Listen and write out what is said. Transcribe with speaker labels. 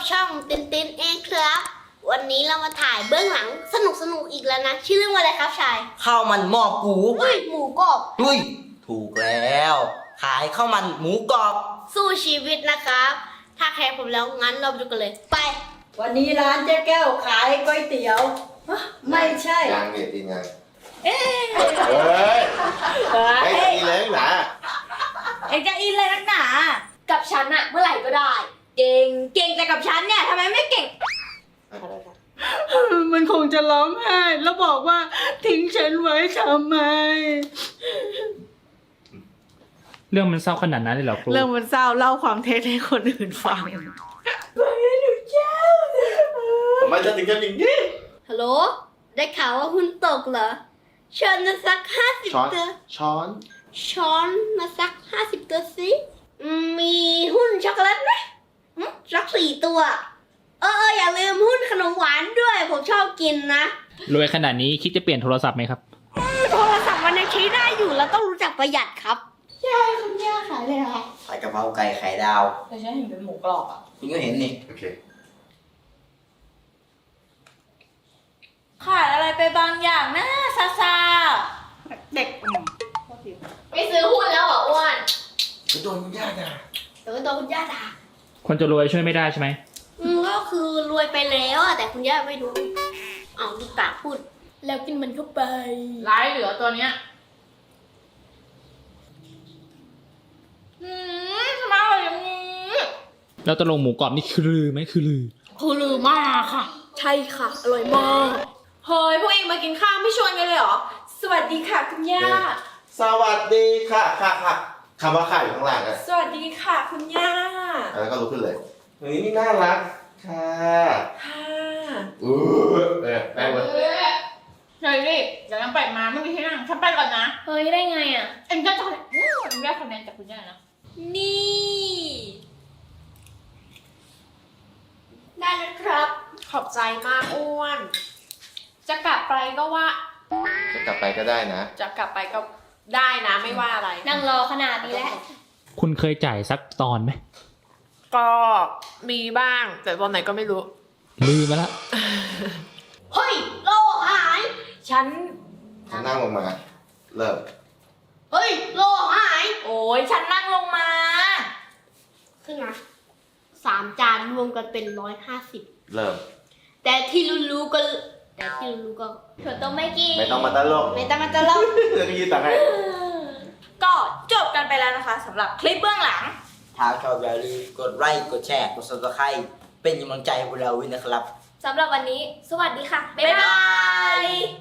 Speaker 1: ช่องตินตินเองครับ วันนี้เรามาถ่ายเบื้องหลังสนุกอีกแล้วนะชื่อเรื่องว่าอะไรครับชาย
Speaker 2: ข้าวมันหม้อกู
Speaker 1: เฮ้ยหมูกรอบ
Speaker 2: ดุยถูกแล้ว ขายข้าวมันหมูกรอบ
Speaker 1: สู้ชีวิตนะครับ ถ้าแคร์ผมแล้วงั้นเราไปดูกันเลยไป
Speaker 3: วันนี้ร้านเจ๊แก้วขายก๋วยเตี๋ยวฮะไม่ใช่
Speaker 4: ยังเนี่ยทีมงาน
Speaker 3: เอ๊ะ
Speaker 4: เฮ้ยไม่ตีเลยหนา
Speaker 3: เอกจะอินเลยนักหนา
Speaker 1: กับฉันอะเมื่อไหร่ก็ได้
Speaker 3: เก่งแต่กับฉันเนี่ยทำไมไม่เก่ง
Speaker 5: มันคงจะร้องไห้แล้วบอกว่าทิ้งฉันไว้ทำไม
Speaker 6: เรื่องมันเศร้าขนาดนั้นเลยเหรอครู
Speaker 5: เรื่องมันเศร้าเล่าความเท็จให้คนอื่นฟัง
Speaker 4: ทำไมจะถึงกันอย่างนี้
Speaker 1: ฮัลโหลได้ข่าวว่าหุ้นตกเหรอเชิญมาสัก50
Speaker 4: ช้อน
Speaker 1: ตัว
Speaker 4: ช้อน
Speaker 1: ช้อนมาสัก50 ตัวสิมีหุ้นช็อกโกแลตไหมสัก4 ตัวอย่าลืมหุ้นขนมหวานด้วยผมชอบกินนะ
Speaker 6: รวยขนาดนี้คิดจะเปลี่ยนโทรศัพท์ไหมครับ
Speaker 1: โทรศัพท์มันยังใช้ได้อยู่แล้วต้องรู้จักประหยัดครับย่าคุณย่าขายเลยเหรอ
Speaker 2: ขายกะเพราไก่ไข่ดาว
Speaker 3: แต่ฉันเห็นเป็นหมูกรอบอ่ะ
Speaker 2: คุณก็เห็นนี่
Speaker 4: โอเค
Speaker 3: ขาดอะไรไปบางอย่างนะซาซาเด็ก
Speaker 1: ไม่ซื้อหุ้นแล้วเหรออ้วน
Speaker 4: ไปโดนคุณย่าด่า
Speaker 1: เดี๋ยวโดนคุณย่าด่า
Speaker 6: คนจะรวยช่วยไม่ได้ใช่ไหม
Speaker 1: ก็คือรวยไปแล้วอะแต่คุณย่าไม่รู้เอาลูกตาพูด แล้วกินมันเข้าไป
Speaker 3: ร้ายเหลือตัวเนี้ยทำไมอร่อยอย่างนี้
Speaker 6: แล้วตกลงหมูกรอบนี่คือลือไหมคือลือ
Speaker 1: คือลือมากค่ะ ใช่ค่ะ อร่อยมาก
Speaker 3: เฮ้ยพวกเองมากินข้าวไม่ชวนกันเลยเหรอ สวัสดีค่ะคุณย่า
Speaker 4: สวัสดีค่ะคำว่าค่ะอยู่ข้างล่างอะ
Speaker 3: สวัสดีค่ะคุณย่า
Speaker 4: แล้วก็ลุกขึ้นเลยเฮ้ยนี่น่ารักค่ะ
Speaker 3: ค่ะ
Speaker 4: แป้งเลย
Speaker 7: เฮ้ยดิเดี๋ยวยังไปมาไม่มีที่นั่งฉันไปก่อนนะ
Speaker 1: เฮ้ยได้ไงอ่ะ
Speaker 7: เอ็งจะทำเอ็งได้คะแนนจากคุณย่านะ
Speaker 3: นี่
Speaker 1: ได้แล้วครับ
Speaker 3: ขอบใจมากอ้วน จะกลับไปก็ว่า
Speaker 4: จะกลับไปก็ได้นะ
Speaker 3: จะกลับไปก็ได้นะไม่ว่าอะไร
Speaker 1: นั่งรอขนาดนี้แล้ว
Speaker 6: คุณเคยจ่ายสักตอนไหม
Speaker 3: ก็มีบ้าง แต่ตอนไหนก็ไม่รู้
Speaker 6: ลืมไปละ
Speaker 1: เฮ้ยโลหาย
Speaker 3: ฉัน
Speaker 4: นั่งลงมา เริ่ม
Speaker 1: เฮ้ยโลหาย
Speaker 3: โอ้ยฉันนั่งลงมา
Speaker 1: ขึ้นมา3 จานรวมกันเป็น150
Speaker 4: เริ่ม
Speaker 1: แต่ที่รู้ๆก็เธอต้องไม่กิน
Speaker 4: ไม่ต้องมาตลก
Speaker 1: ไม่ต้องมาตลก
Speaker 4: เดี๋ยวก็ยืนตังค์ให้
Speaker 3: ก็จบกันไปแล้วนะคะสำหรับคลิปเบื้องหลัง
Speaker 2: ถ้าชอบอย่าลืมกดไลค์กดแชร์กด subscribe เป็นกำลังใจให้พวกเราด้วยนะครับ
Speaker 1: สำหรับวันนี้ สวัสดีค่ะ บ๊าย
Speaker 3: บ๊าย
Speaker 1: บา
Speaker 3: บาย ย